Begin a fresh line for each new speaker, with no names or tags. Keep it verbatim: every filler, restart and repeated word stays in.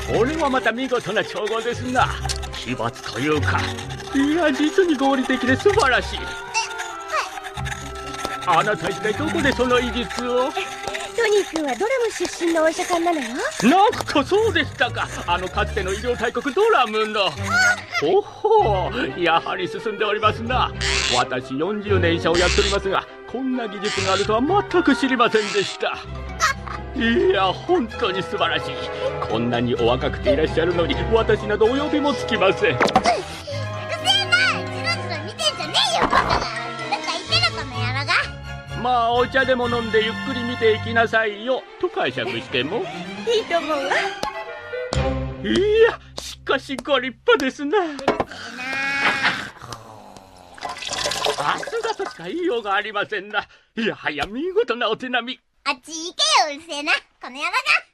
これはまた見事な調合ですな。奇抜というか、いや実に合理的で素晴らしい。あなた一体どこでその医術を？
トニー君はドラム出身のお医者さんなのよ。
なんかそうでしたか。あのかつての医療大国ドラムの。おほう、やはり進んでおりますな。私よんじゅうねん医者をやっておりますが、こんな技術があるとは全く知りませんでした。いや本当に素晴らしい。こんなにお若くていらっしゃるのに私などお呼びもつきません。
うるせえな、じろじろ見てんじゃねえよバカが。なんか言ってるこの野郎が。
まあお茶でも飲んでゆっくり見ていきなさいよと解釈しても
いいと思うわ。
いやしかしご立派ですな。さすがとしか言いようがありませんな。いやはや見事なお手並み。
あっち行けよ、うるせえなこの野郎が。